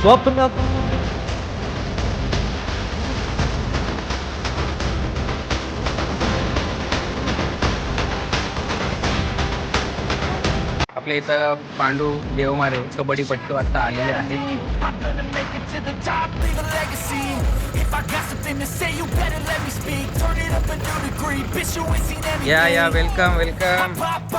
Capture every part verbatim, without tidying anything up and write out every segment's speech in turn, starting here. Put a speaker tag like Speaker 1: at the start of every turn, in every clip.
Speaker 1: स्वप्न
Speaker 2: आपल्या इथं पांडू देवमारे कबड्डीपट्टू आता आलेले आहेत. या या वेलकम वेलकम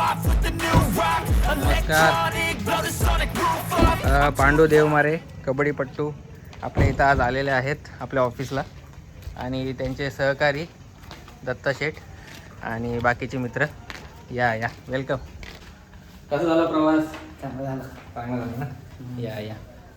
Speaker 2: नमस्कार. अ, पांडू देवमारे कबड्डीपट्टू आपल्या इथं आज आलेले आहेत आपल्या ऑफिसला आणि त्यांचे सहकारी दत्ता शेठ आणि बाकीचे मित्र. या या वेलकम. कसा झाला प्रवास?
Speaker 3: चांगला झाला.
Speaker 2: चांगला झाला ना. या या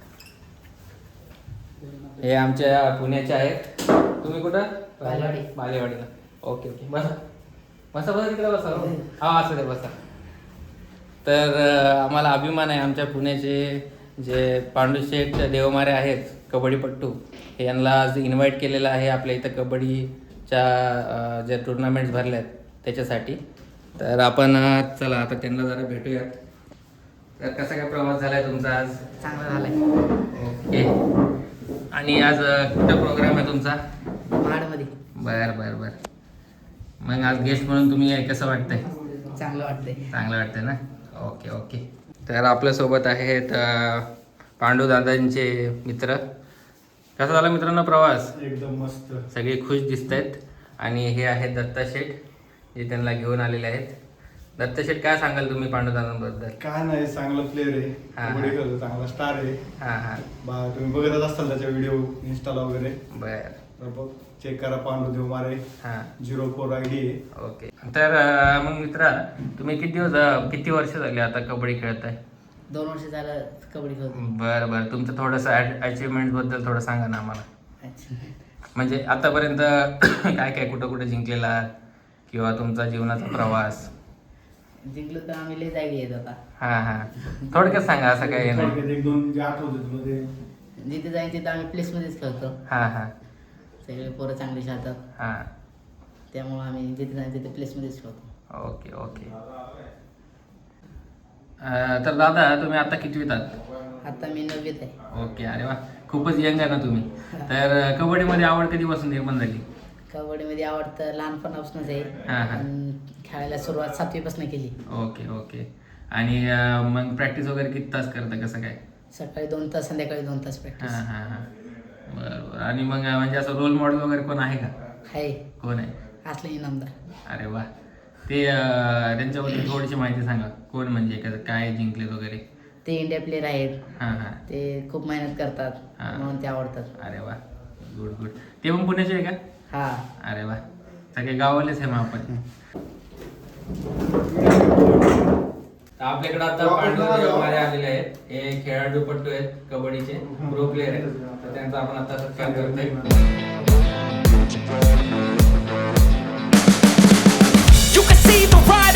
Speaker 2: हे आमच्या पुण्याचे आहेत. तुम्ही कुठं?
Speaker 3: बालेवाडी.
Speaker 2: बालेवाडीला. ओके ओके बसा बसा बसा तिकडे बसा. हा असं दे बसा. तर अं, आम्हाला अभिमान आहे आमच्या पुण्याचे जे पांडुशेठ देवमारे आहेत कबड्डीपट्टू हे यांना आज इन्व्हाइट केलेलं आहे आपल्या इथं कबड्डीच्या अं, ज्या टुर्नामेंट्स भरल्या आहेत त्याच्यासाठी. तर आपण अं, चला आता त्यांना जरा भेटूयात. तर कसा काय प्रवास झालाय तुमचा आज?
Speaker 3: चांगला झालाय.
Speaker 2: ओके. आणि आज अं, कुठं प्रोग्राम आहे तुमचा?
Speaker 3: महाडमध्ये.
Speaker 2: बर बर बर. मग आज गेस्ट म्हणून तुम्ही कसं वाटतंय?
Speaker 3: चांगलं वाटतंय.
Speaker 2: चांगलं वाटतंय ना. Okay okay. तर आपल्यासोबत आहेत अं, पांडू दादांचे मित्र. कसा झाला मित्रांनो प्रवास?
Speaker 4: एकदम मस्त.
Speaker 2: सगळे खुश दिसत आहेत. आणि हे आहेत दत्ता शेठ जे त्यांना घेऊन आलेले आहेत. दत्ता शेठ काय सांगाल तुम्ही पांडुदादांबद्दल?
Speaker 4: काय नाही, चांगला प्लेअर आहे,
Speaker 2: हा,
Speaker 4: कबड्डी
Speaker 2: हा.
Speaker 4: खेळतो, चांगला स्टार आहे.
Speaker 2: हां हां
Speaker 4: बा तुम्ही बघतच असताल त्याच्या व्हिडिओ इंस्टाला वगैरे.
Speaker 2: बर.
Speaker 4: तर बघ चेक करा, पांडू देवमारे
Speaker 2: हां
Speaker 4: झिरो फोर आय डी आहे.
Speaker 2: ओके. तर अं, मग मित्रा तुम्ही किती दिवस अं, किती वर्ष झाली आता कबड्डी खेळताय?
Speaker 3: दोन वर्ष झालं कबड्डी खेळतो.
Speaker 2: बरं बरं. तुमचं थोडंसं अचिव्हमेंट बद्दल थोडं सांगा ना आम्हाला.
Speaker 3: अच्छा.
Speaker 2: म्हणजे आतापर्यंत काय काय कुठं कुठं जिंकलेला किंवा तुमचा जीवनाचा प्रवास.
Speaker 3: जिंकलो तर आम्ही लय जागी येत आता.
Speaker 2: हां हां थोडक्यात सांगा असं काय नाही.
Speaker 4: थोडक्यात एक दोन जे आठवते तुला ते.
Speaker 3: जिथे जाईन तिथं आम्ही प्लेसमध्येच खेळतो.
Speaker 2: हां हां
Speaker 3: सगळे पोरं चांगली खेळतात
Speaker 2: हां
Speaker 3: त्यामुळे आम्ही जिथे जाईन तिथे प्लेसमध्येच खेळतो.
Speaker 2: Okay okay. अं, तर दादा तुम्ही आता कितवीत आहात?
Speaker 3: आता मी नववीत आहे.
Speaker 2: ओके. अरे वा खूपच यंग आहे ना तुम्ही. तर अं, कबड्डीमध्ये आवड कधीपासून निर्माण झाली?
Speaker 3: कबड्डीमध्ये आवड तर लहानपणापासूनच आहे.
Speaker 2: हा, हा.
Speaker 3: पण खेळायला सुरुवात सातवीपासून केली.
Speaker 2: Okay okay. आणि अं, मग प्रॅक्टिस वगैरे किती तास करता कसं काय?
Speaker 3: सकाळी दोन तास संध्याकाळी दोन तास प्रॅक्टिस
Speaker 2: हां हां हां बरं बरं. आणि मग अं, म्हणजे असं रोल मॉडेल वगैरे कोण आहे का?
Speaker 3: आहे.
Speaker 2: कोण आहे?
Speaker 3: असले इनामदार.
Speaker 2: अरे वा. ते अं, त्यांच्याबद्दल थोडीशी माहिती सांगा. कोण म्हणजे कसं काय जिंकलेत वगैरे?
Speaker 3: ते इंडिया प्लेअर आहेत.
Speaker 2: हां हां
Speaker 3: ते खूप मेहनत करतात
Speaker 2: हा.
Speaker 3: म्हणून ते आवडतात.
Speaker 2: अरे वा गुड गुड. ते पण पुण्याचे आहे का?
Speaker 3: हा.
Speaker 2: अरे वा सगळे गावालेच आहे मग आपण. तर आपल्याकडे आता पांडू देवमारे आलेले आहेत. हे खेळाडूपट्टू आहेत कबड्डीचे प्रो प्लेअर आहेत. तर त्यांचा आपण आता सत्कार करतोय.
Speaker 5: You can see the ride